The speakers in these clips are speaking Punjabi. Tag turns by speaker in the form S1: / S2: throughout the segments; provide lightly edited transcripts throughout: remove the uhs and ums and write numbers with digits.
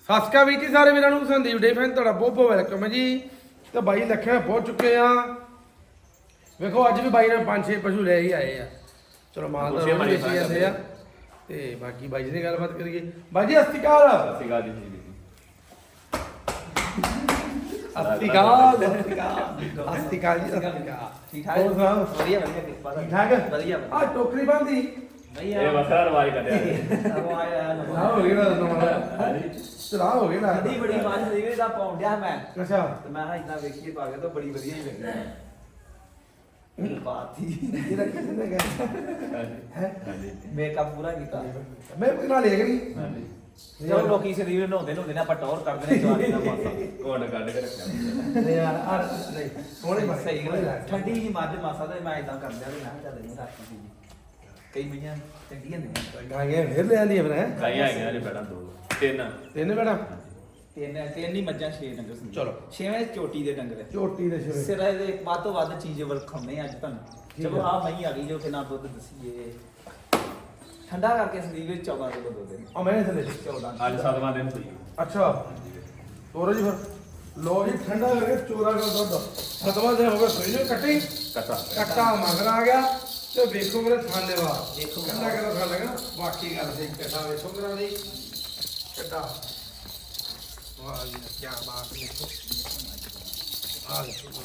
S1: ਸਾਸਕਾ ਵੀ ਜੀ ਸਾਰੇ ਵੀਰਾਂ ਨੂੰ ਸੰਦੀਪ ਡੇ ਫੈਨ ਤੁਹਾਡਾ ਬਹੁਤ ਬਹੁਤ ਵੈਲਕਮ ਹੈ ਜੀ। ਤੇ ਬਾਈ ਲੱਖਿਆ ਪਹੁੰਚ ਚੁੱਕੇ ਆ। ਵੇਖੋ ਅੱਜ ਵੀ ਬਾਈ ਨੇ 5-6 ਪਸ਼ੂ ਲੈ ਹੀ ਆਏ ਆ। ਚਲੋ ਮਾਲ ਦਾ ਰੋਜ਼ ਵੇਚੀ ਜਾਂਦੇ ਆ ਤੇ ਬਾਕੀ ਬਾਈ ਜੀ ਦੀ ਗੱਲਬਾਤ ਕਰੀਏ। ਬਾਈ ਜੀ ਅਸਤਿਕਾਲ
S2: ਅਸਤਿਕਾਲ ਜੀ
S1: ਅਸਤਿਕਾਲ ਅਸਤਿਕਾਲ ਜੀ ਅਸਤਿਕਾਲ।
S3: ਠੀਕ ਠਾਕ
S1: ਹੋਰ ਸੁਣਾਓ?
S3: ਵਧੀਆ ਵਧੀਆ ਕਿਰਪਾ
S1: ਠੀਕ ਠਾਕ
S3: ਵਧੀਆ
S1: ਆ ਟੋਕਰੀ ਬੰਦੀ
S3: ਵਧੀਆ
S2: ਇਹ ਵਸਾ ਰਵਾਜ ਕੱਢਿਆ
S3: ਉਹ ਆਇਆ
S1: ਨਾ ਹੋ ਗਿਆ ਨਾ ਚਲਾ ਹੋ ਗਿਆ ਨਾ
S3: ਕਦੀ ਬੜੀ ਮਾਝ ਸੀਗੀ ਦਾ ਪਾਉਂਦਿਆ ਮੈਂ
S1: ਅੱਛਾ
S3: ਤੇ ਮੈਂ ਹਾਂ ਇਦਾਂ ਵੇਖੀਏ ਪਾ ਕੇ ਤਾਂ ਬੜੀ ਵਧੀਆ ਹੀ ਲੱਗੀ ਬਾਤ ਹੀ
S1: ਇਹਦਾ ਕਿੰਨੇ ਗਿਆ ਹੈ
S3: ਮੇਕਅਪ ਪੂਰਾ ਕੀਤਾ
S1: ਮੈਂ ਕੋਈ ਨਾਲ ਲੈ ਗਈ
S3: ਜਦੋਂ ਲੋਕੀ ਸਰੀਰ ਨਹਾਉਂਦੇ ਨੇ ਆਪਾਂ ਟੌਰ ਕਰਦੇ ਨੇ ਜਵਾਨੀ ਦਾ ਮਾਸਾ
S2: ਕੋਡ ਕੱਢ ਕੇ ਰੱਖਿਆ
S1: ਨਹੀਂ ਯਾਰ ਆ ਨਹੀਂ ਸੋਹਣੇ ਬਣੇ
S3: ਸਹੀ ਗੱਲ ਹੈ। ਠੰਡੀ ਜੀ ਮੱਝ ਮਾਸਾ ਤੇ ਮੈਂ ਇਦਾਂ ਕਰਦਿਆ ਤੇ ਮੈਂ ਚੱਲ ਨਹੀਂ ਰੱਖੀ ਸੀ ਕਈ ਮਈਆਂ ਚੰਗੀਆਂ ਨੇ
S1: ਗਾਂਗੇ ਫਿਰ ਲੈ ਆਂਦੀ ਫਿਰ ਹੈ
S2: ਕਾਈ ਆ ਗਿਆ ਨੇ ਬੜਾ ਦੋ ਤਿੰਨ
S1: ਤਿੰਨ ਬੇੜਾ
S3: ਤਿੰਨ ਹੀ ਮੱਝਾਂ 6 ਡੰਗਰ ਸੀ
S1: ਚਲੋ।
S3: 6ਵੇਂ ਚੋਟੀ ਦੇ ਡੰਗਰ ਹੈ।
S1: ਝੋਟੀ ਦੇ ਸਿਰੇ
S3: ਸਿਰ ਇਹਦੇ ਵੱਧ ਤੋਂ ਵੱਧ ਚੀਜ਼ ਵਰਖਾਉਣੇ ਅੱਜ ਤੁਹਾਨੂੰ ਚਲੋ ਆ ਮਈ ਆ ਗਈ ਜੋ ਕਿ ਨਾ ਦੁੱਧ ਦਸੀਏ ਠੰਡਾ ਕਰਕੇ ਸਰੀਰ ਵਿੱਚ 14 ਕਿਲੋ ਦੁੱਧ ਦੇ
S1: ਆ ਮੈਂ ਥੱਲੇ
S3: 14
S2: ਅੱਜ 7ਵਾਂ ਦਿਨ ਹੋਈ
S1: ਅੱਛਾ ਤੋਰੋ ਜੀ ਫਿਰ ਲੋ ਜੀ ਠੰਡਾ ਕਰਕੇ ਚੋਰਾ ਕਰ ਦੁੱਧ ਸਤਵਾਂ ਦੇ ਹੋ ਗਿਆ ਸੋਈ ਨੂੰ ਕੱਟੀ
S2: ਕਟਾ
S1: ਕੱਟਾ ਮਗਰ ਆ ਗਿਆ ਤੇ ਵੇਖੋ ਮੇਰੇ ਥਾਨੇ ਵਾ
S3: ਦੇਖੋ।
S1: ਕੰਦਾ ਕਰਦਾ ਥਾਂ ਲਗਾ ਬਾਕੀ ਗੱਲ ਸੀ ਕੱਟਾ ਵੇਖੋ ਮੇਰਾ ਦੀ ਕੱਟਾ ਵਾਹ ਜੀ ਕੀ ਬਾਤ ਦੇਖੋ ਆ ਦੇਖੋ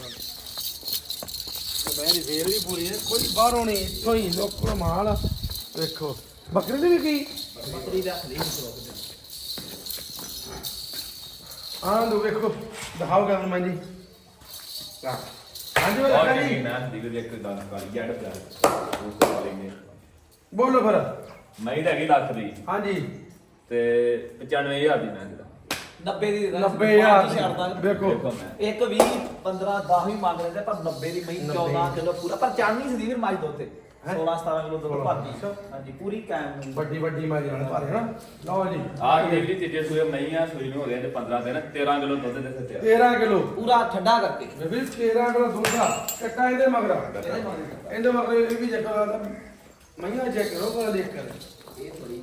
S1: ਤੇ ਮੇਰੀ ਫੇਰ ਵੀ ਪੂਰੀ ਹੈ ਕੋਈ ਬਾਹਰੋਂ ਨਹੀਂ ਇੱਥੋਂ ਹੀ ਲੋਕਲ ਮਾਲ ਵੇਖੋ ਬੱਕਰੀ ਦੀ ਵੀ ਕੀ
S3: ਬੱਕਰੀ ਦਾ ਖਲੀ ਸੋਕ ਦੇ
S1: ਆਹ ਲੋ ਵੇਖੋ ਦਿਖਾਓ ਗੱਲ ਮੈਂ ਜੀ ਹਾਂਜੀ ਮੈਂ
S2: ਔਰ
S1: ਲੱਗਾ
S2: ਜਿਹੜੀ
S1: ਜੀ
S2: ਮੈਂ ਦੀ ਵੀ ਇੱਕ ਦਾਨ ਕਾਲੀ ਜੱਟ ਪਿਆ ਉਸ ਤੋਂ ਲੈਂਗੇ
S1: ਬੋਲੋ ਫਿਰ
S2: ਮੈਂ ਹੀ ਹੈਗੀ ਲੱਖ ਦੀ
S1: ਹਾਂਜੀ
S2: ਤੇ 95000 ਦੀ ਮੈਂ ਦਾ
S3: 90 ਦੀ
S1: 90,000
S3: ਛੱਡਦਾ
S1: ਵੇਖੋ
S3: ਇੱਕ 20 15 10 ਵੀ ਮੰਗ ਲੈਂਦੇ ਪਰ 90 ਦੀ ਮਈ 14 ਕਿਲੋ ਪੂਰਾ ਪਰ ਚਾੜਨੀ ਸਰੀਰ ਮੱਝ ਦੁੱਧ ਤੇ 16 17 ਕਿਲੋ ਦੁੱਧ ਭਰਦੀ ਹਾਂਜੀ ਪੂਰੀ ਕਾਇਮ
S1: ਵੱਡੀ ਵੱਡੀ ਮਾਂ ਜਾਨ ਭਾਰੇ ਨਾ ਲਓ ਜੀ
S2: ਆਹ ਜਿਹੜੀ ਤੀਜੇ ਸੂਏ ਮਈ ਆ ਸੂਈ ਨੂੰ ਹੋ ਗਏ ਤੇ 15 ਦਿਨ 13 ਕਿਲੋ ਦੁੱਧ ਦੇ ਦਿੱਤੇ
S1: 13 ਕਿਲੋ
S3: ਪੂਰਾ ਠੰਡਾ ਕਰਕੇ
S1: ਬੇਬੀ 13 ਕਿਲੋ ਦੁੱਧ ਆ ਕੱਟਾ ਇਹਦੇ ਮਗਰ ਇਹਦੇ ਮਗਰ ਇਹ ਵੀ ਚੈੱਕ ਕਰਦਾ ਮਈਆਂ ਚੈੱਕ ਕਰੋ ਕੋਲ ਦੇਖ ਕਰ
S3: ਇਹ ਥੋੜੀ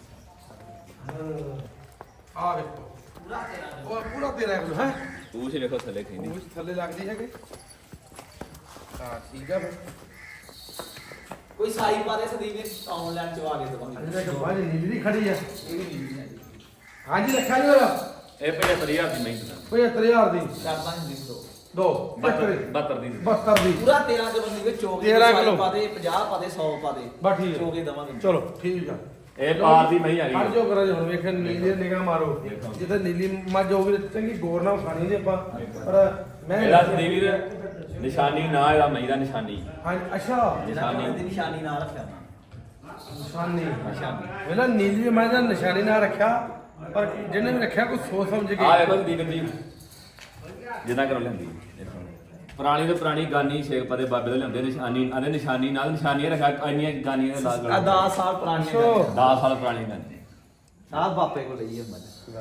S1: ਆ ਵੇਖੋ
S3: ਪੂਰਾ 13
S1: ਉਹ ਪੂਰਾ 13 ਕਿਲੋ ਹੈ
S2: ਤੂੰ ਸੀ ਵੇਖੋ ਥੱਲੇ ਖੀਂਦੀ
S1: ਉਹ ਥੱਲੇ ਲੱਗਦੀ ਹੈਗੇ ਹਾਂ ਠੀਕ ਆ ਫਿਰ
S3: ਕੋਈ ਸਾਈ ਪਾਦੇ ਸਦੀਵ ਨੇ ਆਨਲਾਈਨ ਚਵਾ ਕੇ ਦਵਾਂਗੇ
S1: ਅਜੇ ਤੱਕ ਬਾਹਰ ਨੀਲੀ ਖੜੀ ਆ
S3: ਇਹ ਵੀ ਨਹੀਂ ਹੈ ਜੀ
S1: ਹਾਂਜੀ ਰੱਖਿਆ ਜੀ ਹੋਇਆ
S2: ਇਹ 75000 ਦੀ ਮਈ ਦਾ
S1: 75000 ਦੀ
S3: ਕਰਦਾ ਨਹੀਂ ਦੋ
S1: ਦੋ
S2: 72 ਦੀ
S1: 72 ਦੀ
S3: ਪੂਰਾ 13 ਕਿਲੋ ਦੀ ਵਿੱਚ ਚੋਗੇ
S1: 13 ਕਿਲੋ।
S3: ਪਾਦੇ 50 ਪਾਦੇ 100 ਪਾਦੇ
S1: ਬਸ ਠੀਕ ਹੈ।
S3: ਚੋਗੇ ਦਵਾਂਗੇ
S1: ਚਲੋ ਠੀਕ ਆ
S2: ਇਹ ਪਾਰ ਦੀ ਮਈ ਆ
S1: ਹਰ
S2: ਗਈ
S1: ਜੋ ਕਰਾਂ ਜੀ ਹੁਣ ਵੇਖਣ ਨੀਲੀ ਨਿਗਾਹ ਮਾਰੋ
S2: ਦੇਖੋ।
S1: ਜਿੱਥੇ ਨੀਲੀ ਮੱਝ ਹੋਊਗੀ ਤੇ ਚੰਗੀ ਗੌਰ ਨਾਲ ਖਾਣੀ ਜੀ ਆਪਾਂ ਪਰ ਮੈਂ
S2: ਇਹਦਾ ਸਦੀਵੀਰ ਨਿਸ਼ਾਨੀ ਨਾ ਇਹਦਾ ਮਈ ਦਾ ਨਿਸ਼ਾਨੀ
S1: ਹਾਂ ਅੱਛਾ
S3: ਨਿਸ਼ਾਨੀ ਦੀ ਨਿਸ਼ਾਨੀ ਨਾਲ ਰੱਖਿਆ ਨਾ
S1: ਨਿਸ਼ਾਨੀ
S3: ਨਿਸ਼ਾਨੀ
S1: ਵੇਲਾ ਨੀਲੀ ਮੱਝ ਦਾ ਨਿਸ਼ਾਨੀ ਨਾ ਰੱਖਿਆ ਪਰ ਜਿਹਨੇ ਵੀ ਰੱਖਿਆ ਕੋਈ ਸੋਚ ਸਮਝ ਕੇ
S2: ਆ ਵੇਖੋ ਸਦੀਵੀਰ ਜੀ ਜਿੰਨਾ ਕਰੋ ਲੈਂਦੀ ਪੁਰਾਣੀ ਤੋਂ ਪੁਰਾਣੀ ਗਾਨੀ ਸ਼ੇਖ ਪਦੇ ਬਾਬੇ ਦੇ ਲੈਂਦੇ ਨਿਸ਼ਾਨੀ ਆਦੇ ਨਿਸ਼ਾਨੀ ਨਾਲ ਨਿਸ਼ਾਨੀਆਂ ਰੱਖਿਆ ਇੰਨੀਆਂ ਗਾਨੀਆਂ ਦੇ ਲਾਗ
S3: ਆ 10 ਸਾਲ ਪੁਰਾਣੀ
S1: ਅੱਛਾ।
S2: 10 ਸਾਲ ਪੁਰਾਣੀ ਗਾਨੀ
S3: ਸਾਹ ਬਾਪੇ ਕੋਲ ਲਈ ਹੈ ਮੱਝ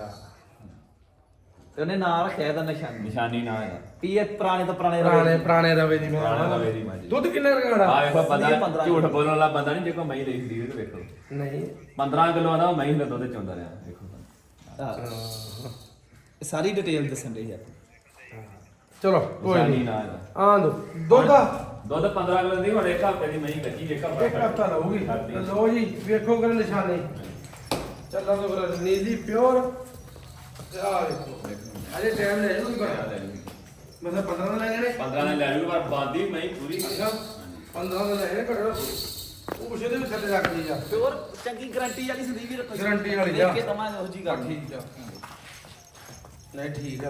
S3: ਤੇ ਉਹਨੇ ਨਾਂ ਰੱਖਿਆ ਇਹਦਾ ਨਿਸ਼ਾਨੀ
S2: ਨਿਸ਼ਾਨੀ ਨਾ ਇਹਦਾ
S3: ਵੀ ਇਹ ਪੁਰਾਣੇ ਤੋਂ ਪੁਰਾਣੇ
S1: ਪੁਰਾਣੇ ਰਵੇ ਦੀ
S2: ਪੁਰਾਣੇ ਰਵੇ ਦੀ ਮੱਝ।
S1: ਦੁੱਧ ਕਿੰਨਾ ਰਗਾੜਾ
S2: ਆ ਵੇਖੋ ਬੰਦਾ
S3: 15
S2: ਝੂਠ ਬੋਲਣ ਵਾਲਾ ਬੰਦਾ ਨਹੀਂ ਜੇ ਕੋ ਮਈ ਲਈ ਸਦੀਵੀਰ ਤੇ ਵੇਖੋ
S1: ਨਹੀਂ
S2: 15 ਕਿਲੋ ਆਦਾ ਮਈ ਦਾ ਦੁੱਧ ਚੋਂਦਾ ਰਿਹਾ ਵੇਖੋ
S3: ਇਹ ਸਾਰੀ ਡਿਟੇਲ ਦੱਸਣ ਰਹੀ ਹੈ
S1: ਚਲੋ ਕੋਈ
S2: ਨਿਸ਼ਾਨੀ
S1: ਨਹੀਂ
S2: ਨਾ ਇਹਦਾ
S1: ਆਂ ਦੋ ਦੁੱਧ ਆ
S2: ਦੁੱਧ 15 ਕਿਲੋ ਦੀ ਹੁਣ ਇੱਕ ਹਫ਼ਤੇ ਦੀ ਮਈ ਕੱਚੀ ਇੱਕ
S1: ਇੱਕ ਹਫਤਾ ਲਊਗੀ ਤੇ ਲਓ ਜੀ ਵੇਖੋ ਕਰ ਨਿਸ਼ਾਨੀ ਚੱਲਾਂ ਤੋਂ ਫਿਰ ਨੀਲੀ ਪਿਓਰ ਤੇ ਆ ਵੇਖੋ ਅਜੇ ਟਾਈਮ ਲੈ ਜੂਗੀ ਪਰ ਮਤਲਬ 15 ਦਾ ਲੈ ਜਾਣੇ
S2: 15 ਨੇ ਲੈ ਲੂ ਪਰ ਬਾਦੀ ਮਈ ਪੂਰੀ
S1: ਅੱਛਾ 15 ਦਾ ਲੈ ਜਾਣੇ ਘੱਟੋ ਉਹ ਕੁਛ ਇਹਦੇ ਵੀ ਥੱਲੇ ਰੱਖਦੀ ਆ
S3: ਪਿਓਰ ਚੰਗੀ ਗਾਰੰਟੀ ਵਾਲੀ ਸੰਦੀਪ ਵੀ ਰੱਖੋ
S1: Guarantee ਵਾਲੀ
S3: ਦੇਖ
S1: ਆ।
S3: ਕੇ ਦਵਾਂਗੇ ਉਹ ਜੀ ਗੱਲ
S1: ਠੀਕ ਆ ਨਹੀਂ ਠੀਕ ਆ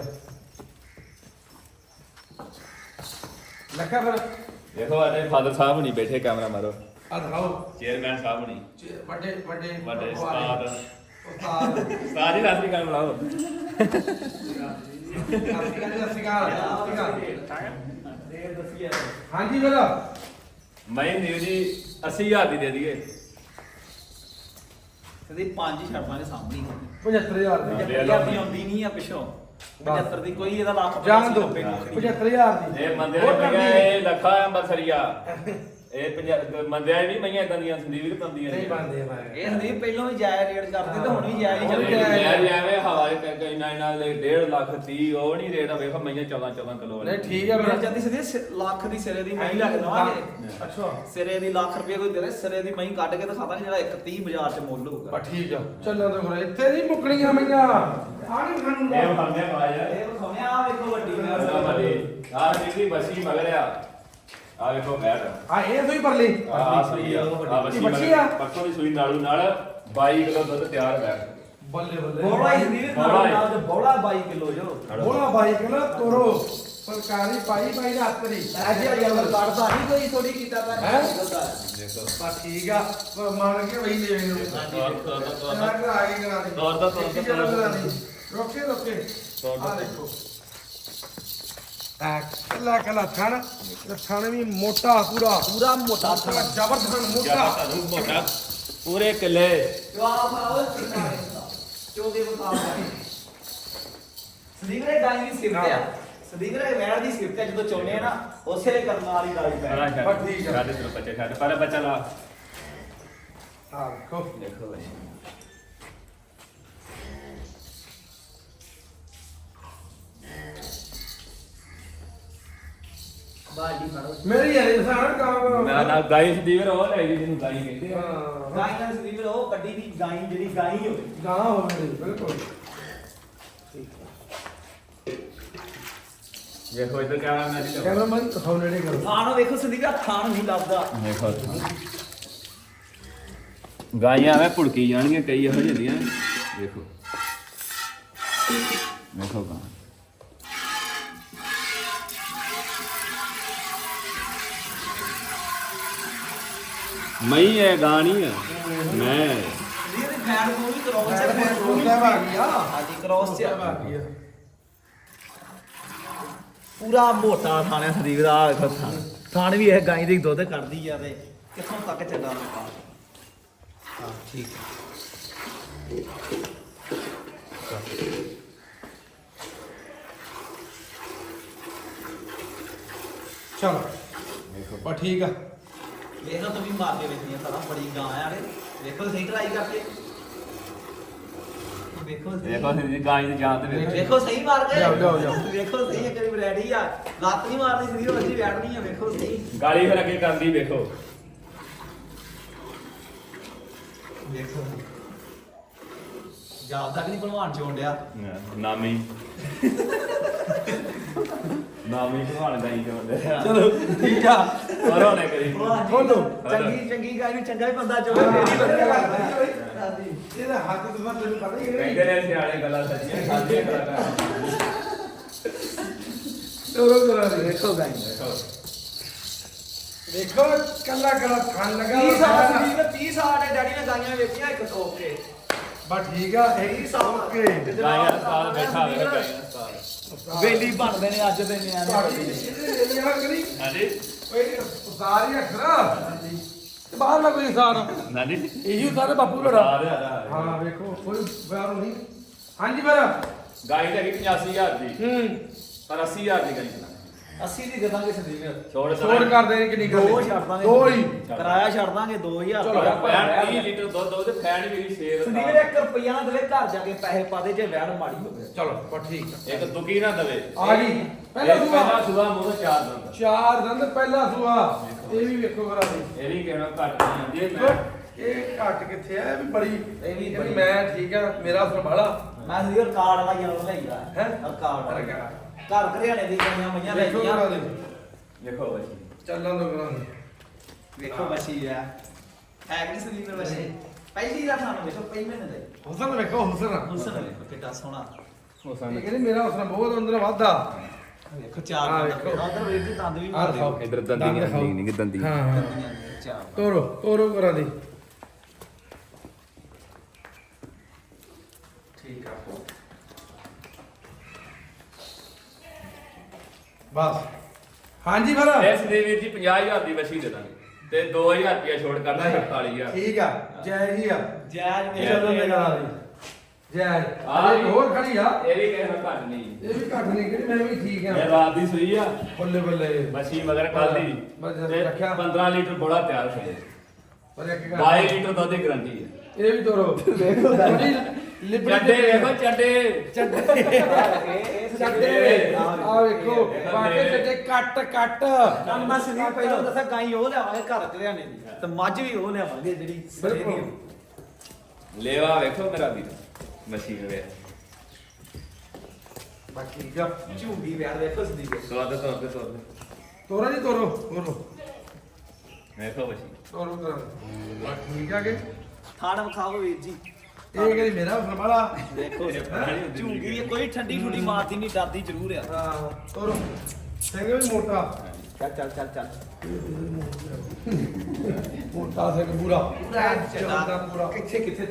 S1: ਲੱਖਾ ਫਿਰ
S2: ਦੇਖੋ ਆਦੇ ਫਾਦਰ ਸਾਹਿਬ ਨਹੀਂ ਬੈਠੇ ਕੈਮਰਾ ਮਾਰੋ
S1: ਆ ਦਿਖਾਓ
S2: ਚੇਅਰਮੈਨ ਸਾਹਿਬ ਨਹੀਂ
S1: ਵੱਡੇ ਵੱਡੇ
S2: ਵੱਡੇ ਉਸਤਾਦ
S1: ਉਸਤਾਦ
S2: ਉਸਤਾਦ ਜੀ ਰਾਸੀ ਗੱਲ ਬੁਲਾਓ
S3: ਦੇ ਦੱਸੀਏ
S1: ਹਾਂਜੀ ਮੇਰਾ
S2: ਮੈਂ ਨਿਊ ਜੀ 80000 ਦੀ ਦੇ ਦਈਏ
S3: ਸੰਦੀਪ 5 ਹੀ ਛੱਡ ਦਾਂਗੇ ਸਾਹਮਣੇ
S1: 75000 ਦੀ
S2: ਲੈ ਲਓ।
S3: 75 ਦੀ ਆਉਂਦੀ ਨਹੀਂ ਆ ਪਿੱਛੋਂ 75 ਦੀ ਕੋਈ ਇਹਦਾ ਲੱਖ
S1: ਜਾਣ ਦੋ
S3: 90 ਦੀ।
S1: 75000 ਦੀ
S2: ਇਹ ਬੰਦੇ
S1: ਹੋਰ
S2: ਨੇ
S1: ਕਰਨੀ
S2: ਕਿਹਾ ਇਹ ਲੱਖਾ ਅੰਬਰਸਰੀਆ ਇਹ ਪੰਜਾਬ ਮੰਦਿਆ ਨਹੀਂ ਮਈਆਂ ਇਦਾਂ ਦੀਆਂ ਸੰਦੀਪ ਵੀ ਪੰਦੀਆਂ
S1: ਨਹੀਂ ਬੰਦੇ ਮੈਂ
S3: ਇਹ ਸੰਦੀਪ ਪਹਿਲਾਂ ਵੀ ਜਾਇਆ ਰੇਟ ਕਰਦੇ ਤੇ ਹੁਣ ਵੀ ਜਾਇਆ ਹੀ
S1: ਹੁਣ ਵੀ
S3: ਚੱਲਦੇ
S1: ਜਾਇਆ।
S2: ਯਾਰ ਐਵੇਂ ਹਵਾ ਦੇ ਨਾਲ 1.5 ਲੱਖ 30 ਉਹ ਨਹੀਂ ਰੇਟ ਆ ਵੇਖੋ ਮਈਆਂ 14 ਕਿਲੋ
S1: ਨਹੀਂ ਠੀਕ ਆ
S3: ਮਿਲ
S1: ਮੇਰਾ
S3: ਜਾਂਦੀ ਸੰਦੀਪ ਲੱਖ ਦੀ ਸਿਰੇ ਦੀ ਮਹੀਂ ਲੱਗ ਦਵਾਂਗੇ
S1: ਅੱਛਾ
S3: ਸਿਰੇ ਦੀ ਲੱਖ ਰੁਪਏ ਕੋਈ ਦੇ ਦੇ ਸਿਰੇ ਦੀ ਮਹੀਂ ਕੱਢ ਕੇ ਦਿਖਾ ਦਾਂਗੇ ਜਿਹੜਾ 130 ਬਾਜ਼ਾਰ 'ਚ ਮੁੱਲ ਹੋਊਗਾ
S1: ਬਾ ਠੀਕ ਆ ਚੱਲਾਂ ਤਾਂ ਫਿਰ ਇੱਥੇ ਨਹੀਂ ਮੁੱਕਣੀਆਂ ਮਈਆਂ ਆਣੀ ਖਾਣੂ
S2: ਇਹ ਫਰਮਿਆ ਪਾਇਆ
S3: ਇਹ ਵਿਖਾਉਣੇ ਆ ਵੇਖੋ ਵੱਡੀ ਮੈਂ
S2: ਉਹਦਾ ਵਾਲੀ ਆਹ ਜਿਹੜੀ ਬਸੀ ਮਗਰ ਆ ਵੇਖੋ ਬੈਠ
S1: ਆ ਇਹ ਤੋਂ ਹੀ ਪਰਲੀ
S2: ਆ ਸਹੀ ਆ ਆ ਬਸੀ
S1: ਬੱਚੀ ਆ?
S2: ਮਗਰ ਪੱਕੋ ਦੀ ਸੂਈ ਨਾਲੂ ਨਾਲ 22 ਕਿਲੋ ਦੁੱਧ ਤਿਆਰ ਬੈਠ
S1: ਬੱਲੇ ਬੱਲੇ
S3: ਬੋਲਾ ਹੀ ਸੰਦੀਪ ਨਾਲ ਤੇ ਬੋਲਾ 22 ਕਿਲੋ ਜੋ
S1: ਬੋਲਾ ਬਾਈ ਕਹਿੰਦਾ ਤੋਰੋ ਸਰਕਾਰੀ ਪਾਈ ਪਾਈ ਦਾ ਹੱਥਰੀ
S3: ਅੱਜ ਯਾਰ ਕੱਢਦਾ ਨਹੀਂ ਕੋਈ ਥੋੜੀ ਕੀਤਾ ਤਾਂ
S1: ਹੈਂ?
S2: ਦੇਖੋ
S1: ਬਾ ਠੀਕ ਆ ਪਰ ਮੰਨ ਕੇ ਵਈ ਲੈ ਮੈਨੂੰ
S2: ਤੋਰ
S1: ਆ ਗਈ ਕਰਾ ਦੇ
S2: ਤੋਰ ਦਾ
S1: ਰੋਕੇ ਰੋਕੇ
S2: ਤੋਰ ਦਾ।
S1: ਆ ਦੇਖੋ ਆ ਕੱਲਾ ਕੱਲਾ ਥਣ ਤੇ ਥਣ ਵੀ ਮੋਟਾ ਪੂਰਾ
S3: ਪੂਰਾ ਮੋਟਾ
S1: ਪੂਰਾ ਜ਼ਬਰਦਸਤ ਮੋਟਾ
S2: ਮੋਟਾ ਪੂਰੇ ਕਿੱਲੇ
S3: ਜਵਾਬ ਆਓ ਚੋਦੇ ਮੁਕਾਬਲੇ ਸੰਦੀਪ ਰੇ ਗਾਈ ਦੀ ਸਿਫਤ ਆ ਸੰਦੀਪ ਰੇ ਵੈੜ ਦੀ ਸਿਫਤ ਆ ਜਦੋਂ ਚੋਨੇ ਆ ਨਾ ਉਸੇ ਵੇਲੇ ਕਰਨ ਵਾਲੀ ਗਾਈ
S2: ਸਾਰਾ
S3: ਪੈ
S1: ਬਸ ਠੀਕ ਆ।
S2: ਛੱਡ ਤੇਰੇ ਬੱਚੇ ਛੱਡ ਪਰ ਬੱਚਾ ਲਾ
S1: ਆ ਦੇਖੋ
S2: ਦੇਖੋ ਬਈ
S3: ਬਾਜੀ ਫੜੋ
S1: ਮੇਰੀ ਯਾਰ ਸਾਰਾ ਕੰਮ
S2: ਮੈਂ ਨਾ ਗਾਈ ਸਦੀਵਰ ਉਹ ਲੈ ਗਈ ਜਿਹਨੂੰ ਗਾਈ ਕਹਿੰਦੇ ਆ
S1: ਹਾਂ
S3: ਗਾਈ ਨਾਲ ਸੰਦੀਪ ਰੇ ਉਹ ਕੱਢੀ ਦੀ ਗਾਈ ਜਿਹੜੀ ਗਾਈ ਹੋਵੇ
S1: ਗਾਂ ਹੋਵੇ ਬਿਲਕੁਲ
S2: ਦੇਖੋ ਇਧਰ ਕੈਮਰਾ ਮੈਂ ਜੀ
S1: ਕੈਮਰਾਮੈਨ ਦਿਖਾਓ ਨੇੜੇ ਕਰੋ
S3: ਥਾਣ ਵੇਖੋ ਸੰਦੀਪ ਆ ਥਾਣ ਨਹੀਂ ਲੱਭਦਾ
S2: ਦੇਖੋ ਗਾਈਆਂ ਐਵੇਂ ਭੁੜਕੀ ਜਾਣਗੀਆਂ ਕਈ ਇਹੋ ਜਿਹੀਆਂ ਦੇਖੋ ਦੇਖੋ ਗਾਂ ਮਈ ਹੈ ਗਾਂ ਨਹੀਂ ਹੈ ਮੈਂ
S3: ਸੰਦੀਪ ਦੇ ਫੈਨ ਕੋ ਵੀ ਕਰਾਉ
S1: ਮੈਂ
S3: ਚ
S1: ਸੋਚਦਾ ਭਾਗੀ ਆ
S3: ਹਾਂਜੀ ਕ੍ਰੋਸ ਚ
S1: ਭਾਗੀ ਆ
S3: ਪੂਰਾ ਮੋਟਾ ਥਾਣਿਆ ਸੰਦੀਪ ਦਾ ਆਹ ਵੇਖੋ ਥਾਣ ਥਾਣ ਵੀ ਇਹ ਗਾਈ ਦੀ ਦੁੱਧ ਕੱਢਦੀ ਆ ਤੇ ਕਿੱਥੋਂ ਤੱਕ ਚੱਲਾਂ ਆਪਾਂ ਹਾਂ ਠੀਕ ਹੈ
S1: ਚਲੋ ਦੇਖੋ ਬਾ ਠੀਕ ਆ
S3: ਵੇਖੋ ਤੁਸੀਂ ਮਾਰ ਕੇ ਵੇਖੀਆਂ ਸਾਰਾ ਬੜੀ ਗਾਂ ਆ ਰੇ ਵੇਖੋ ਸਹੀ ਟਰਾਈ ਕਰਕੇ ਵੇਖੋ ਸਹੀ
S2: ਦੇਖੋ ਜੀ ਗਾਂ ਦੀ ਜਾਨ ਤੇ ਵੇਖੋ
S3: ਵੇਖੋ ਸਹੀ ਮਾਰ ਕੇ
S1: ਜਾਓ, ਜਾਓ, ਜਾਓ।
S3: ਵੇਖੋ ਸਹੀ ਇੱਕ ਵਾਰੀ ਰੈਡੀ ਆ ਲੱਤ ਨਹੀਂ ਮਾਰਦੀ ਸੀ ਉਹ ਅੱਛੀ ਬੈਠਣੀ ਆ ਵੇਖੋ ਸਹੀ
S2: ਗਾਲੀ ਫਿਰ ਅੱਗੇ ਕਰਦੀ ਵੇਖੋ
S3: ਵੇਖੋ ਜਾਬ ਤੱਕ ਨਹੀਂ ਭਲਵਾਨ ਚੋਂ ਡਿਆ
S2: ਨਾਮੀ ਨਾਮੀ ਭਗਵਾਨ ਗਾਈ ਜਾਂਦੇ
S1: ਚਲੋ ਠੀਕ ਆ
S2: ਪਰ ਉਹਨੇ ਕਰੀ
S1: ਖੋਲੋ
S3: ਚੰਗੀ ਚੰਗੀ ਗਾਈ ਨੂੰ ਚੰਗਾ ਹੀ ਬੰਦਾ ਚੋਵੇ
S1: ਹਾਂ,
S3: ਫੇਰ ਹੀ
S1: ਵਧੀਆ
S3: ਵਧੀਆ
S1: ਲੱਗਦਾ
S3: ਲੱਗਦਾ
S1: ਇਹਦਾ ਹੱਥ ਤੋਂ ਤੈਨੂੰ ਪਤਾ ਹੀ ਹੈ
S2: ਕਹਿੰਦੇ ਨੇ ਸਿਆਣੇ ਗੱਲਾਂ ਸੱਚੀਆਂ ਖਾਦੀਆਂ ਕਰਾਂਗਾ
S1: ਤੋਰੋ ਤੋਰਾ ਦੇ
S3: ਵੇਖੋ ਗਾਈ
S1: ਦੇਖੋ ਕੱਲਾ ਕੱਲਾ ਖਾਣ ਲੱਗਾ
S3: 30 ਸਾਲ ਦੀ ਜੀਵਨ 30 ਸਾਲ ਦੇ ਡੈਡੀ ਨੇ ਗਾਈਆਂ ਵੇਚੀਆਂ ਇੱਕ ਟੋਕ ਕੇ
S1: ਬਾ ਠੀਕ ਆ ਇਹ ਓਕੇ
S2: ਗਾਇਆ ਸਾਲ ਬੈਠਾ ਹੋਵੇ ਗਾਇਆ ਸਾਲ
S3: ਵੇਲੀ ਬਣਦੇ ਨੇ ਅੱਜ ਦੇ ਨਿਆਣੇ
S1: ਤੁਹਾਡੀ ਇਹਦੇ ਲਈ ਆ ਕਰੀ
S2: ਹਾਂਜੀ
S1: ਓਏ ਉਤਾਰ ਹੀ ਅਖਰਾ ਤੇ ਬਾਹਰ ਨਾ ਕੋਈ ਇਨਸਾਨ
S2: ਹਾਂਜੀ
S1: ਇਹੀ ਉਤਾਰ ਬਾਪੂ ਲੜਾ
S2: ਆ ਰਿਹਾ
S1: ਹਾਂ ਵੇਖੋ ਕੋਈ ਬਿਆਨ ਨਹੀਂ ਹਾਂਜੀ ਫਿਰ
S2: ਗਾਈ ਤਾਂ ਹੈਗੀ 85000 ਦੀ
S1: ਹੂੰ
S2: ਪਰ 80000 ਦੀ ਗਾਈ
S3: 80 ਦੀ ਦੇ ਦਾਂਗੇ ਸੰਦੀਪ
S2: ਛੋੜ
S1: ਛੋੜ ਕਰ ਦੇ ਕਿੰਨੀ ਗੱਲ
S3: ਦੋ ਛੱਡ ਦਾਂਗੇ
S1: ਦੋ ਹੀ
S3: ਕਿਰਾਇਆ ਛੱਡ ਦਾਂਗੇ 2000
S1: ਚਲੋ।
S2: ਪੈਣ 30 ਲੀਟਰ ਦੁੱਧ ਉਹਦੇ ਫੈਨ ਵੀ ਸ਼ੇਰ
S3: ਸੰਦੀਪ ਨੇ 1 ਰੁਪਿਆ ਨਾ ਦੇਵੇ ਘਰ ਜਾ ਕੇ ਪੈਸੇ ਪਾ ਦੇ ਜੇ ਵੈਣ ਮਾੜੀ ਹੋਵੇ
S1: ਚਲੋ ਬਾ ਠੀਕ ਆ
S2: ਇੱਕ ਦੁਕੀ ਨਾ ਦਵੇ
S1: ਆ ਗਈ ਪਹਿਲਾ
S2: ਇਹ
S1: ਸੂਆ
S2: ਪਹਿਲਾ ਸੁਬਾ ਮੂੰਹ ਤੋਂ ਚਾਰ ਦੰਦ
S1: ਚਾਰ ਦੰਦ ਪਹਿਲਾ ਸੂਆ ਇਹ ਵੀ ਵੇਖੋ ਕਰਾ ਦੇ
S2: ਇਹ ਵੀ ਕਹਿਣਾ ਘੱਟ ਨਹੀਂ ਆਉਂਦੀ ਇਹ ਮੈਂ
S1: ਇਹ ਘੱਟ ਕਿੱਥੇ ਆ ਇਹ ਵੀ ਬੜੀ
S3: ਇਹ ਵੀ
S1: ਇਹ
S3: ਬੜੀ।
S1: ਮੈਂ ਠੀਕ ਆ ਮੇਰਾ ਸੰਭਾਲਾ
S3: ਮੈਂ ਸੰਦੀਪ ਰਿਕਾਰਡ ਵਾਲਾ ਯਾਰ ਲਈਦਾ
S1: ਹੈਂ?
S3: ਰਿਕਾਰਡ ਵਾਲਾ।
S1: ਰਿਕਾਰਡ।
S3: ਘਰ ਘਰਿਆਣੇ ਦੀ ਗਈਆਂ ਮਈਆਂ
S1: ਵੇਖੋ ਕਰਾ
S3: ਲਈਆਂ
S1: ਦੇ
S2: ਦੇਖੋ ਬੱਚੀ
S1: ਚੱਲਾਂ ਤੋਂ ਕਰਾ ਦੇ
S3: ਵੇਖੋ ਬਸੀ ਆ ਹੈ ਕਿ ਸੰਦੀਪ ਨੇ ਬਸੀ ਪਹਿਲੀ ਦਾ ਸਾਨੂੰ ਵੇਖੋ ਪਹਿਲੇ ਮਹੀਨੇ ਦੇ
S1: ਹੁਸਨ ਵੇਖੋ ਹੁਸਨ
S3: ਹੁਸਨ ਵੇਖੋ ਕਿੱਡਾ ਸੋਹਣਾ
S2: ਉਹ
S1: ਇਹ ਕਹਿੰਦੇ ਮੇਰਾ ਹੁਸਨ ਬਹੁਤ ਅੰਦਰ ਵਾਧਾ
S3: ਵੇਖੋ ਚਾਰ
S1: ਆਹ
S3: ਦੰਦ
S1: ਵੇਖੋ।
S3: ਉਧਰ ਵੇਖ ਦੀ ਦੰਦ ਵੀ
S1: ਆਹ
S3: ਮਾਰ
S1: ਦਿਖਾਓ।
S3: ਦਿਓ
S2: ਇਧਰ
S1: ਦੰਦ
S2: ਦੰਦੀ
S1: ਦਿਖਾਓ।
S2: ਨਹੀਂ ਦੰਦੀ
S1: ਹਾਂ ਹਾਂ
S3: ਚਾਰ
S1: ਤੋਰੋ ਤੋਰੋ ਕਰਾ ਦੇ ਠੀਕ ਆ ਬਸ ਹਾਂਜੀ ਫਿਰ
S2: ਇਸ ਦੇ ਵੀਰ ਜੀ 50000 ਦੀ ਵਸੀ ਦੇ ਦਾਂਗੇ ਤੇ 2000 ਰੁਪਇਆ ਛੋੜ ਕਰਨਾ 48000
S1: ਠੀਕ ਆ ਜੈ ਜੀ ਆ
S3: ਜਾਇਜ਼
S1: ਚਲੋ
S3: ਵੇਖ
S1: ਲਗਾ ਦੇ ਜੈ
S2: ਆਹ
S1: ਇੱਕ ਹੋਰ ਖੜੀ ਆ
S2: ਇਹ ਵੀ ਕਿਸੇ ਨੂੰ ਘੱਟ ਨਹੀਂ
S1: ਇਹ ਵੀ ਘੱਟ ਨਹੀਂ ਕਿ ਮੈਂ ਵੀ ਠੀਕ
S2: ਇਹ
S1: ਆ
S2: ਰਾਤ ਦੀ ਸੂਈ ਆ
S1: ਬੱਲੇ ਬੱਲੇ
S2: ਮੱਛੀ ਮਗਰ ਕੱਲ ਦੀ
S1: ਬਸ
S2: ਤੇ
S1: ਰੱਖਿਆ
S2: 15 ਲੀਟਰ ਬੋਲਾ ਤਿਆਰ ਹੋਇਆ
S1: ਪਰ ਇੱਕ
S2: 22 ਲੀਟਰ ਦੁੱਧ ਦੀ ਗਾਰੰਟੀ ਹੈ
S1: ਇਹ ਵੀ ਤੋਰੋ ਦੇਖੋ
S2: ਚੱਡੇ ਵੇਖੋ ਚੱਡੇ
S1: ਚੱਡੇ ਆ ਵੇਖੋ ਬਾਕੀ ਚੱਡੇ ਕੱਟ
S3: ਮੈਂ ਸੰਦੀਪ ਪਹਿਲਾਂ ਦੱਸਿਆ ਗਾਈ ਉਹ ਲਿਆਵਾਂਗੇ ਘਰ ਚ ਲਿਆਣੇ ਦੀ ਤੇ ਮੱਝ ਵੀ ਉਹ ਲਿਆਵਾਂਗੇ ਜਿਹੜੀ
S1: ਬਿਲਕੁਲ
S2: ਲੇਵਾ ਵੇਖੋ ਮੇਰਾ ਵੀਰ ਮੱਛੀ ਵੇ
S1: ਬਾਕੀ ਜਾ
S3: ਝੂੰਗੀ ਵਿਆਹ ਵੇਖੋ ਸੰਦੀਪ
S2: ਸਵਾਦ
S1: ਤੋਰਾ ਜੀ ਤੋਰੋ
S2: ਵੇਖੋ ਮੱਛੀ
S1: ਤੋਰੋ ਕਰਾਂ ਠੀਕ ਆ ਕੇ
S3: ਥਾਣ ਵਿਖਾਓ ਵੀਰ ਜੀ
S1: ਇਹ ਕਿਹੜੀ ਮੇਰਾ ਫਰਮਾਲਾ
S3: ਦੇਖੋ ਝੂੰਗੀ ਕੋਈ ਠੰਡੀ ਠੁੱਡੀ ਮਾਰਦੀ ਨਹੀਂ ਡਰਦੀ ਜ਼ਰੂਰ ਆ
S1: ਹਾਂ ਤੋਰੋ ਸਿੰਘ ਵੀ ਮੋਟਾ
S3: ਚੱਲ
S1: ਮੋਟਾ ਸਿੰਘ ਪੂਰਾ
S3: ਚੱਲਦਾ
S1: ਪੂਰਾ
S3: ਕਿੱਥੇ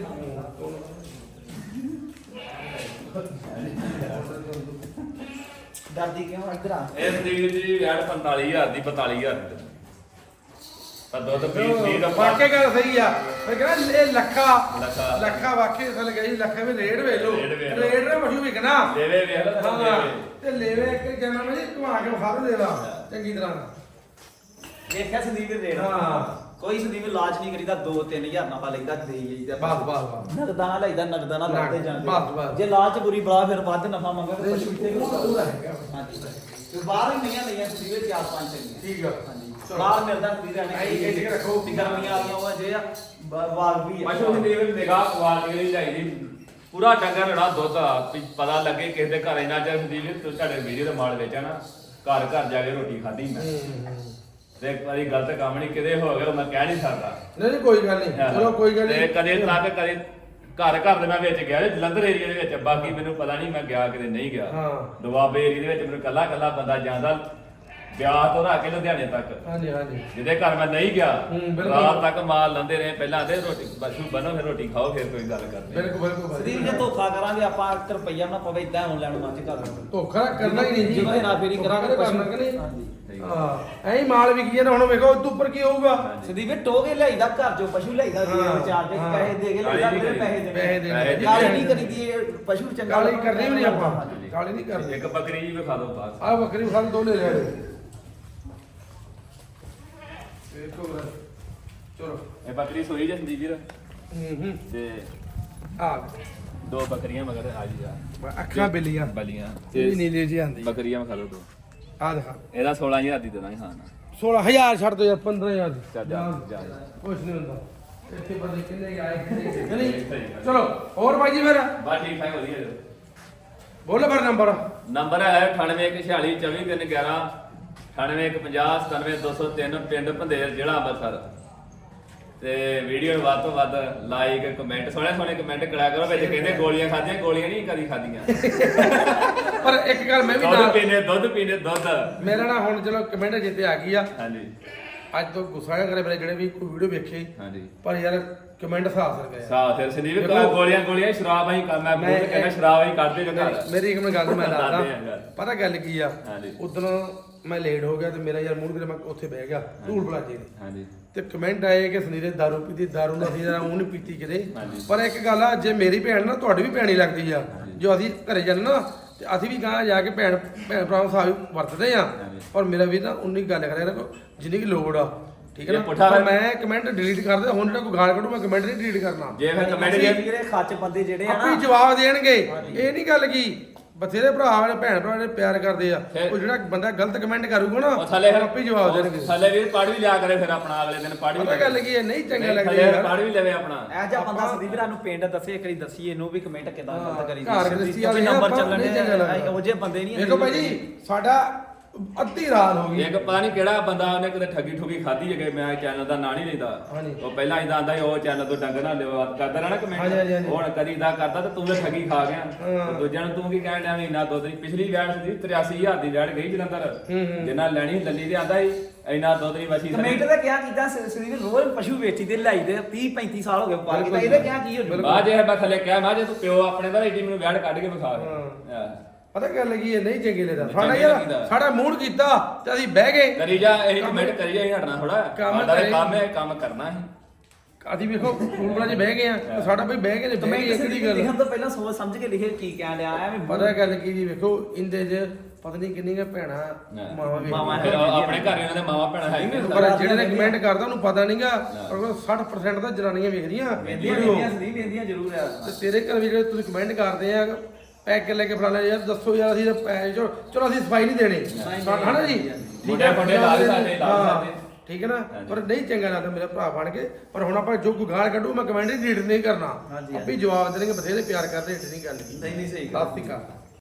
S3: ਡਰਦੀ ਕਿਉਂ ਇੱਧਰ ਆ
S2: ਇਹ ਸੰਦੀਪ ਜੀ ਯਾਰ 45000 ਦੀ 42000 ਦੀ ਤਾਂ ਦੁੱਧ ਪੀਸ ਦਾ
S1: ਵਾਕਿਆ ਗੱਲ ਸਹੀ ਆ ਮੈਂ ਕਹਿੰਦਾ ਇਹ
S2: ਲੱਖਾ।
S1: ਲੱਖਾ ਵਾਕਿਆ ਅਸਲ ਗਈ ਲੱਖਾ ਵੀ ਰੇਡ ਵੇਖ ਲੋ
S2: ਰੇਟ ਵੇਖ ਲਓ।
S1: ਰੇਡ ਨੇ ਮਸ਼ਹੂਰ ਵਿਕਣਾ
S2: ਲੇਵੇ ਵੇਖ ਲਓ ਤਾਂ
S1: ਹਾਂ
S2: ਲੇਵੇ
S1: ਤੇ ਲੈਵੇ ਇੱਕ ਜਨਾ ਮੈਂ ਜੀ ਘੁਮਾ ਕੇ ਵਿਖਾ ਦੋ ਲੈਵਾ ਚੰਗੀ ਤਰ੍ਹਾਂ
S3: ਦੇਖਿਆ ਸੰਦੀਪ ਦੇ ਰੇਟ
S1: ਹਾਂ।
S3: ਕੋਈ ਸੰਦੀਪ ਇਲਾਜ ਨਹੀਂ ਕਰੀਦਾ 2-3000 ਨਾਲ ਲਈਦਾ ਦੇ ਜਾਈਦਾ
S1: ਬਸ
S3: ਨਗਦਾਨਾ ਲਈਦਾ ਨਗਦਾਨਾ ਲਾਤੇ ਜਾਂਦੇ
S1: ਬਸ।
S3: ਜੇ ਲਾਲਚ ਬੁਰੀ ਬਲਾ ਫਿਰ ਵੱਧ ਨਫਾ ਮੰਗਾ ਤੇ ਪਸ਼ੂ ਇੱਥੇ
S1: ਪੂਰਾ ਹੈਗਾ
S3: ਹਾਂਜੀ ਤੇ ਬਾਹਰ ਹੀ ਨਹੀਂ ਲਈਆਂ ਸੰਦੀਪ 4-5 ਚੰਗੀਆਂ
S1: ਠੀਕ ਆ
S3: ਹਾਂਜੀ
S1: ਚਲੋ।
S3: ਬਾਹਰ ਮਿਲਦਾ ਸੰਦੀਪ ਰਹਿਣੇ
S1: ਇਹ ਠੀਕ ਰੱਖੋ।
S3: ਵੀ ਗਰਮੀਆਂ ਆ ਗਈਆਂ ਉਹ ਜੇ ਆ ਵਾਗ ਵੀ ਆ
S2: ਪਸ਼ੂ ਸੰਦੀਪ ਨਿਗਾਹ ਕੁਆਲਿਟੀ ਦੀ ਚਾਹੀਦੀ ਪੂਰਾ ਡੰਗਰ ਰੜਾ ਦੁੱਧ ਆ ਵੀ ਪਤਾ ਲੱਗੇ ਕਿਸੇ ਦੇ ਘਰ ਇੰਨਾ ਚਿਰ ਸੰਦੀਪ ਜੀ ਤੁਹਾਡੇ ਵੀਡੀਓ ਦਾ ਮਾਲ ਵੇਚਿਆ ਨਾ ਘਰ ਘਰ ਜਾ ਕੇ ਰੋਟੀ ਖਾਧੀ ਮੈਂ ਤੇ ਇੱਕ ਵਾਰੀ ਗਲਤ ਕੰਮ ਨਹੀਂ ਕਿਤੇ ਹੋ ਗਿਆ ਉਹ ਮੈਂ ਕਹਿ ਨਹੀਂ ਸਕਦਾ
S1: ਨਹੀਂ ਕੋਈ ਗੱਲ ਨਹੀਂ ਚਲੋ ਕੋਈ ਗੱਲ
S2: ਤੇ
S1: ਨਹੀਂ
S2: ਕਦੇ ਤੱਕ ਕਦੇ ਘਰ ਦੇ ਮੈਂ ਵਿੱਚ ਗਿਆ ਜੀ, ਜਲੰਧਰ ਏਰੀਆ ਦੇ ਵਿੱਚ ਬਾਕੀ ਮੈਨੂੰ ਪਤਾ ਨਹੀਂ ਮੈਂ ਗਿਆ ਕਿਤੇ ਨਹੀਂ ਗਿਆ
S1: ਹਾਂ।
S2: ਦੁਆਬੇ ਏਰੀਆ ਦੇ ਵਿੱਚ ਮੈਨੂੰ ਕੱਲਾ ਬੰਦਾ ਜਾਂਦਾ ਵਿਆਹ ਤੋਂ ਰੱਖ ਕੇ ਲੁਧਿਆਣੇ ਤੱਕ
S1: ਹਾਂਜੀ
S2: ਜਿਹਦੇ ਘਰ ਮੈਂ ਨਹੀਂ ਗਿਆ
S1: ਬਿਲਕੁਲ।
S2: ਰਾਤ ਤੱਕ ਮਾਲ ਲੰਦੇ ਰਹੇ ਪਹਿਲਾਂ ਤੇ ਰੋਟੀ ਪਸ਼ੂ ਬੰਨੋ ਫਿਰ ਰੋਟੀ ਖਾਓ ਫਿਰ ਕੋਈ ਗੱਲ ਕਰਦੇ
S1: ਬਿਲਕੁਲ
S3: ਸੰਦੀਪ ਜੇ ਧੋਖਾ ਕਰਾਂਗੇ ਆਪਾਂ 1 ਰੁਪਈਆ ਨਾ ਪਵੇ ਇਦਾਂ ਹੁਣ ਲੈਣ ਮੱਝ ਕਰ
S1: ਧੋਖਾ ਕਰਨਾ ਹੀ ਨਹੀਂ ਜੀ
S3: ਜਦੋਂ ਹੇਰਾ ਫੇਰੀ ਕਰਾਂਗੇ
S1: ਕਰਨਾ ਕਿ ਨਹੀਂ
S3: ਹਾਂਜੀ
S1: ਹਾਂ ਐਂ ਹੀ ਮਾਲ ਵਿਕੀ ਜਾਂਦਾ ਹੁਣ ਵੇਖੋ ਉਦੋਂ ਉੱਪਰ ਕੀ ਹੋਊਗਾ
S3: ਸੰਦੀਪ ਟੋਗੇ ਲਿਆਈਦਾ ਘਰ ਚੋਂ ਪਸ਼ੂ ਲਿਆਈਦਾ ਜੀ
S1: ਹਾਂ,
S3: ਵਿਚਾਰ ਕੇ
S1: ਹਾਂ।
S3: ਪੈਸੇ ਦੇ ਕੇ ਲਿਆਈਦਾ
S2: ਕਾਲੀ
S3: ਫਿਰ
S2: ਨਹੀਂ
S3: ਪੈਸੇ ਦੇਣੇ
S1: ਪੈਸੇ ਦੇਣੇ।
S3: ਕਾਲੀ ਨਹੀਂ ਕਰੀਦੀ ਇਹ ਪਸ਼ੂ ਚੰਗਾ
S1: ਕਾਲੀ ਕਰਨੀ ਵੀ ਨਹੀਂ ਆਪਾਂ ਕਾਲੀ ਨਹੀਂ ਕਰਨੀ
S2: ਇੱਕ ਬੱਕਰੀ ਜੀ ਵਿਖਾ ਦਿਓ ਬਾਅਦ
S1: ਆ ਬੱਕਰੀ ਖਾਲ ਦੋ ਲੈ ਲਿਆ ਵੇਖੋ ਚਲੋ
S2: ਇਹ ਬੱਕਰੀ ਸੋਈ ਜੇ ਸੰਦੀਪ ਵੀਰ ਤੇ
S1: ਆ
S2: ਦੋ ਬੱਕਰੀਆਂ ਮਗਰ ਆ ਜੀ ਜਾ
S1: ਅੱਖਾਂ ਬਿੱਲੀਆਂ
S2: ਬਲੀਆਂ
S1: ਇਹ ਨੀਲੀ ਜੀ ਆਂਦੀ
S2: ਬੱਕਰੀਆਂ ਵਿਖਾ ਦਿਓ ਦੋ
S1: ਆ ਦਿਖਾ
S2: ਇਹਦਾ 16000 ਦੀ ਦੇਣਾ ਹਾਂ ਨਾ
S1: 16000 ਛੱਡ ਦੋ ਯਾਰ 15000 ਦੀ
S2: ਚੱਲ ਜਾ
S1: ਕੁਛ ਨਹੀਂ ਹੁੰਦਾ ਇੱਥੇ ਬੰਦੇ ਕਿੰਨੇ ਆਏ ਕਿੰਨੇ ਨਹੀਂ ਚਲੋ ਹੋਰ ਬਾਈ ਜੀ ਫਿਰ
S2: ਬਾ ਠੀਕ ਠਾਕ ਵਧੀਆ ਜੀ
S1: ਬੋਲੋ ਫਿਰ ਨੰਬਰ
S2: ਨੰਬਰ ਹੈ 9814424311 9815097203 ਪਿੰਡ ਭੰਦੇਰ ਜ਼ਿਲ੍ਹਾ ਅੰਮ੍ਰਿਤਸਰ ਤੇ ਵੀਡੀਓ ਨੂੰ ਵੱਧ ਤੋਂ ਵੱਧ ਲਾਈਕ ਕਮੈਂਟ ਸੋਹਣੇ ਕਮੈਂਟ ਕਰਿਆ ਕਰੋ ਵਿੱਚ ਕਹਿੰਦੇ ਗੋਲੀਆਂ ਖਾਧੀਆਂ ਗੋਲੀਆਂ ਨਹੀਂ ਕਦੀ ਖਾਧੀਆਂ
S1: ਪਰ ਇੱਕ ਗੱਲ ਮੈਂ ਵੀ
S2: ਦੁੱਧ ਪੀਣੇ ਦੁੱਧ
S1: ਮੇਰਾ ਨਾ ਹੁਣ ਚਲੋ ਕਮੈਂਟ ਜਿੱਤੇ ਆ ਗਈ ਆ
S2: ਹਾਂਜੀ
S1: ਅੱਜ ਤੋਂ ਗੁੱਸਾ ਨਾ ਕਰੇ ਮੇਰੇ ਜਿਹੜੇ ਵੀ ਕੋਈ ਵੀਡੀਓ ਵੇਖੇ
S2: ਹਾਂਜੀ
S1: ਪਰ ਯਾਰ ਕਮੈਂਟ ਸਾਫ ਕਰ ਗਏ
S2: ਸਾਹ ਫਿਰ ਸੰਦੀਪ ਗੋਲੀਆਂ ਸ਼ਰਾਬ ਅਸੀਂ ਕਰਨਾ ਮੈਂ ਕਹਿੰਦਾ ਸ਼ਰਾਬ ਅਸੀਂ ਕਰਦੇ ਜੋ ਘਰ
S1: ਮੇਰੀ ਇੱਕ ਗੱਲ ਮੈਂ
S2: ਦੱਸਦੇ
S1: ਦੱਸਦਾ
S2: ਆ ਗੱਲ।
S1: ਪਤਾ ਗੱਲ ਕੀ ਆ
S2: ਹਾਂਜੀ।
S1: ਉਦੋਂ ਮੈਂ ਲੇਟ ਹੋ ਗਿਆ ਤੇ ਮੇਰਾ ਯਾਰ ਮੂਡ ਕਿਤੇ ਮੈਂ ਉੱਥੇ ਬਹਿ ਗਿਆ ਧੂੜ ਪਲਾਜੇ ਦੇ
S2: ਹਾਂਜੀ
S1: ਤੇ ਕਮੈਂਟ ਆਏ ਕਿ ਸੁਨੀਲ ਦਾਰੂ ਪੀਤੀ ਦਾਰੂ ਨਾਲ ਅਸੀਂ ਜਰਾ ਉਹ ਨਹੀਂ ਪੀਤੀ ਕਿਤੇ
S2: ਹਾਂਜੀ।
S1: ਪਰ ਇੱਕ ਗੱਲ ਆ ਜੇ ਮੇਰੀ ਭੈਣ ਨਾ ਤੁਹਾਡੀ ਵੀ ਭੈਣੀ ਲੱਗਦੀ ਆ ਜੋ ਅਸੀਂ ਘਰੇ ਜਾਂਦੇ ਨਾ ਤੇ ਅਸੀਂ ਵੀ ਗਾਂ ਜਾ ਕੇ ਭੈਣ ਭਰਾਵਾਂ ਸਾਹਿਬ ਵਰਤਦੇ ਆ
S2: ਹਾਂਜੀ।
S1: ਪਰ ਮੇਰਾ ਵੀ ਨਾ ਉਨੀ ਗੱਲ ਕਰਿਆ ਨਾ ਜਿੰਨੀ ਕੀ ਲੋੜ ਆ ਠੀਕ ਹੈ
S2: ਜੇ
S1: ਨਾ
S2: ਪੁੱਠਾ
S1: ਪਰ ਮੈਂ ਕਮੈਂਟ ਡਿਲੀਟ ਕਰ ਦਿੰਦਾ ਹੁਣ ਜਿਹੜਾ ਕੋਈ ਗਾਲ ਕੱਢੂ ਮੈਂ ਕਮੈਂਟ ਨਹੀਂ ਡਿਲੀਟ ਕਰਨਾ
S2: ਜੇ ਫਿਰ ਕਮੈਂਟ
S3: ਜਿਹੜੇ ਖੱਚ ਬੰਦੇ ਜਿਹੜੇ ਆ
S1: ਆਪੇ
S3: ਨਾ
S1: ਜਵਾਬ ਦੇਣਗੇ ਇਹ ਨਹੀਂ ਗੱਲ ਕੀ ਬਥੇਰੇ ਭਰਾ ਨੇ ਭੈਣ ਭਰਾ ਨੇ ਪਿਆਰ ਕਰਦੇ ਆ ਉਹ ਜਿਹੜਾ ਬੰਦਾ ਗਲਤ ਕਮੈਂਟ ਕਰੂਗਾ ਨਾ
S2: ਉਹ ਥੱਲੇ
S1: ਆਪੇ ਜਵਾਬ ਦੇਣਗੇ
S2: ਥੱਲੇ ਵੀਰ ਪੜ ਵੀ ਲਿਆ ਕਰੇ ਫਿਰ ਆਪਣਾ ਅਗਲੇ ਦਿਨ ਪੜ ਵੀ
S1: ਪਤਾ ਗੱਲ ਕੀ ਹੈ ਨਹੀਂ ਚੰਗਾ
S2: ਥੱਲੇ
S1: ਲੱਗਦਾ
S2: ਪੜ ਵੀ ਲਵੇ ਆਪਣਾ
S3: ਇਹ ਜਿਹਾ ਬੰਦਾ ਸੰਦੀਪ ਨੂੰ ਪਿੰਡ ਦੱਸੇ ਇੱਕ ਵਾਰੀ ਦੱਸੀਏ ਇਹਨੂੰ ਵੀ ਕਮੈਂਟ ਕਿਦਾਂ ਗਲਤ ਕਰੀ
S1: ਘਰ ਗ੍ਰਸਤੀ ਵਾਲੇ
S3: ਨੰਬਰ
S1: ਆਪਾਂ
S3: ਚੱਲਣ
S1: ਨਹੀਂ ਚੰਗਾ ਲੱਗਦਾ।
S3: ਉਹ ਜੇ ਬੰਦੇ ਨਹੀਂ
S1: ਦੇਖੋ ਭਾਈ ਜੀ ਸਾਡਾ ਅੱਧੀ ਰਾਤ ਹੋ ਗਈ
S2: ਇੱਕ ਪਤਾ ਨਹੀਂ ਕਿਹੜਾ ਬੰਦਾ ਉਹਨੇ ਕਿਤੇ ਠੱਗੀ ਠੁਗੀ ਖਾਧੀ ਹੈਗੇ ਮੈਂ ਚੈਨਲ ਦਾ ਨਾਂ ਨਹੀਂ ਲੈਂਦਾ
S1: ਹਾਂਜੀ।
S2: ਉਹ ਪਹਿਲਾਂ ਇਦਾਂ ਆਂਦਾ ਉਹ ਚੈਨਲ ਤੋਂ ਡੰਗ ਨਾ ਲਿਓ ਕਰਦਾ ਰਹਿਣਾ
S1: ਹਾਂਜੀ, ਹਾਂਜੀ,
S2: ਕਮੈਂਟ
S1: ਹਾਂਜੀ।
S2: ਹੁਣ ਕਦੀ ਇਦਾਂ ਕਰਦਾ ਤੇ ਤੂੰ ਤਾਂ ਠੱਗੀ ਖਾ ਗਿਆ
S1: ਹਾਂ।
S2: ਤੇ ਦੂਜਿਆਂ ਨੂੰ ਤੂੰ ਕੀ ਕਹਿਣ ਡਿਆ ਵੀ ਇੰਨਾ ਦੁੱਧ ਨਹੀਂ ਪਿਛਲੀ ਵੈਟ ਸੀ 83000 ਦੀ ਵੈਟ ਗਈ ਜਲੰਧਰ ਜਿੰਨਾ ਲੈਣੀ ਲੱਲੀ ਤੇ ਆਂਦਾ ਸੀ ਇੰਨਾ ਦੁੱਧ ਨਹੀਂ ਵਸੀ
S3: ਕਮੈਂਟ ਦਾ ਕਿਆ ਕੀਤਾ ਸੰਦੀਪ ਰੋਜ਼ ਪਸ਼ੂ ਵੇਚੀ ਤੇ ਲਾਈ ਦੇ 30 35 ਸਾਲ ਹੋ ਗਏ ਵਪਾਰ ਕੀਤਾ ਇਹਦੇ ਕਿਆ ਕੀ ਹੋ ਜੂ
S2: ਬਾਅਦ ਜੇ ਮੈਂ ਥੱਲੇ ਕਿਹਾ ਮੈਂ ਜੇ ਤੂੰ ਪਿਓ ਆਪਣੇ ਦਾ ਏਡੀ ਮੈਨੂੰ ਵੈਟ ਕੱਢ ਕੇ ਵਿਖਾ ਹਾਂ
S1: ਪਤਾ ਗੱਲ ਕੀ ਹੈ ਨਹੀਂ ਚੰਗੀ ਲੱਗਦਾ
S2: ਨਹੀਂ
S1: ਸਾਡਾ
S2: ਚੰਗੀ
S1: ਯਾਰ
S2: ਲੱਗਦਾ।
S1: ਸਾਡਾ ਮੂਡ ਕੀਤਾ ਤੇ ਅਸੀਂ ਬਹਿ ਗਏ
S2: ਕਰੀ ਜਾ ਇਹ ਕਮੈਂਟ ਕਰੀ ਜਾ ਅਸੀਂ ਹਟਣਾ ਥੋੜਾ
S1: ਕੰਮ
S2: ਸਾਡਾ
S1: ਕਰੇ।
S2: ਕੰਮ ਹੈ ਕੰਮ ਕਰਨਾ ਹੈ
S1: ਅਸੀਂ ਵੇਖੋ ਫੋਨ 'ਚ ਬਹਿ ਗਏ ਆ ਸਾਡਾ ਬਈ ਬਹਿ ਕੇ
S3: ਕਮੈਂਟ
S1: ਬਹਿ ਗਏ ਕਿਹੜੀ ਗੱਲ
S3: ਲਿਖਣ ਤੋਂ ਪਹਿਲਾਂ ਸੋਚ ਸਮਝ ਕੇ ਲਿਖੇ ਕੀ ਕਹਿਣ ਡਿਆ ਐਵੇਂ
S1: ਪਤਾ ਗੱਲ ਕੀ ਜੀ ਵੇਖੋ ਇੰਦੇ 'ਚ ਪਤਾ ਨਹੀਂ ਕਿੰਨੀਆਂ ਭੈਣਾਂ ਮਾਵਾਂ
S2: ਫਿਰ ਆਪਣੇ ਘਰ ਇਹਨਾਂ ਦੇ ਮਾਵਾ ਭੈਣਾਂ ਹੈ ਹੀ ਨੇ।
S1: ਪਰ ਜਿਹੜੇ ਨੇ ਕਮੈਂਟ ਕਰਦਾ ਉਹਨੂੰ ਪਤਾ ਨਹੀਂਗਾ ਪਰ 60% ਤਾਂ ਜਨਾਨੀਆਂ ਵੇਖਦੀਆਂ
S3: ਵੇਂਦੀਆਂ ਸੰਦੀਪ ਵੇਂਦੀਆਂ ਜ਼ਰੂਰ ਆ
S1: ਤੇ ਤੇਰੇ ਘਰ ਵੀ ਜਿਹੜੇ ਤੁਸੀਂ ਕਮੈਂਟ ਕਰਦੇ ਆ ਪੈਕ ਲੈ ਕੇ ਫਲਾਣਾ ਯਾਰ ਦੱਸੋ ਯਾਰ ਅਸੀਂ ਚਲੋ ਅਸੀਂ ਸਫਾਈ ਨਹੀਂ ਦੇਣੀ ਹਨਾ ਜੀ ਠੀਕ ਹੈ
S2: ਮੁੰਡੇ ਲਾ ਦੇ ਸਾਡੇ ਲਾ ਦੇ
S1: ਠੀਕ ਹੈ ਨਾ ਪਰ ਨਹੀਂ ਚੰਗਾ ਲੱਗਦਾ ਮੇਰਾ ਭਰਾ ਬਣ ਕੇ ਪਰ ਹੁਣ ਆਪਾਂ ਜੋ ਕੋਈ ਗਾਲ ਕੱਢੂ ਮੈਂ ਕਮੈਂਟ ਰੀਡ ਨਹੀਂ ਕਰਨਾ ਆਪੇ ਜਵਾਬ ਦੇਣਗੇ ਬਥੇਰੇ ਪਿਆਰ ਕਰਦੇ ਹਿੱਟ ਨਹੀਂ ਗੱਲ ਕੀ
S3: ਨਹੀਂ ਸਹੀ
S1: ਸਤਿ ਸ਼੍ਰੀ ਅਕਾਲ